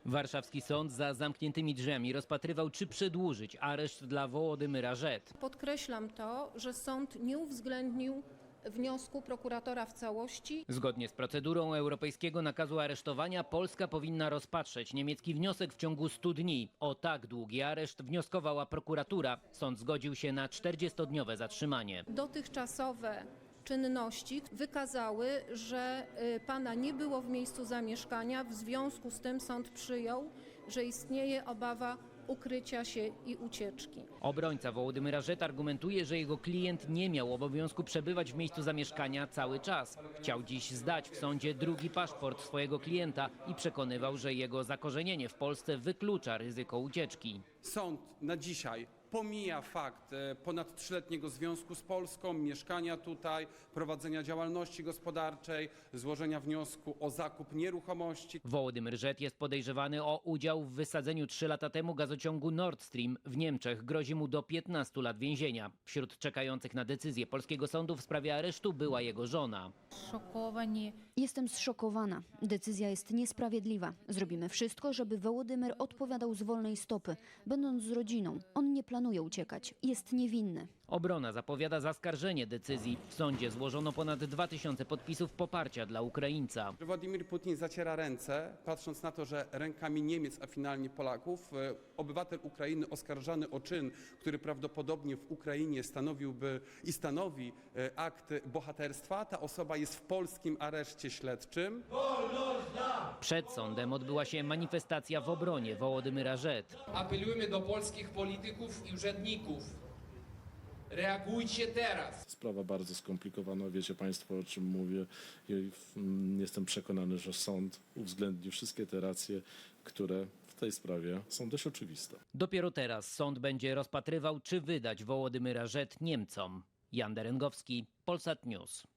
Warszawski sąd za zamkniętymi drzwiami rozpatrywał, czy przedłużyć areszt dla Wołodymyra Żet. Podkreślam to, że sąd nie uwzględnił wniosku prokuratora w całości. Zgodnie z procedurą europejskiego nakazu aresztowania Polska powinna rozpatrzeć niemiecki wniosek w ciągu 100 dni. O tak długi areszt wnioskowała prokuratura. Sąd zgodził się na 40-dniowe zatrzymanie. Dotychczasowe czynności wykazały, że pana nie było w miejscu zamieszkania. W związku z tym sąd przyjął, że istnieje obawa ukrycia się i ucieczki. Obrońca Wołodymyra Żet argumentuje, że jego klient nie miał obowiązku przebywać w miejscu zamieszkania cały czas. Chciał dziś zdać w sądzie drugi paszport swojego klienta i przekonywał, że jego zakorzenienie w Polsce wyklucza ryzyko ucieczki. Sąd na dzisiaj pomija fakt ponad 3-letniego związku z Polską, mieszkania tutaj, prowadzenia działalności gospodarczej, złożenia wniosku o zakup nieruchomości. Wołodymyr Żet jest podejrzewany o udział w wysadzeniu 3 lata temu gazociągu Nord Stream w Niemczech. Grozi mu do 15 lat więzienia. Wśród czekających na decyzję polskiego sądu w sprawie aresztu była jego żona. Jestem zszokowana. Decyzja jest niesprawiedliwa. Zrobimy wszystko, żeby Wołodymyr odpowiadał z wolnej stopy. Będąc z rodziną, on nie planuje uciekać. Jest niewinny. Obrona zapowiada zaskarżenie decyzji. W sądzie złożono ponad 2000 podpisów poparcia dla Ukraińca. Władimir Putin zaciera ręce, patrząc na to, że rękami Niemiec, a finalnie Polaków, obywatel Ukrainy oskarżany o czyn, który prawdopodobnie w Ukrainie stanowi akt bohaterstwa, ta osoba jest w polskim areszcie śledczym. Przed sądem odbyła się manifestacja w obronie Wołodymyra Żet. Apelujemy do polskich polityków i urzędników. Reagujcie teraz. Sprawa bardzo skomplikowana, wiecie Państwo, o czym mówię. I jestem przekonany, że sąd uwzględni wszystkie te racje, które w tej sprawie są dość oczywiste. Dopiero teraz sąd będzie rozpatrywał, czy wydać Wołodymyra Żet Niemcom. Jan Derengowski, Polsat News.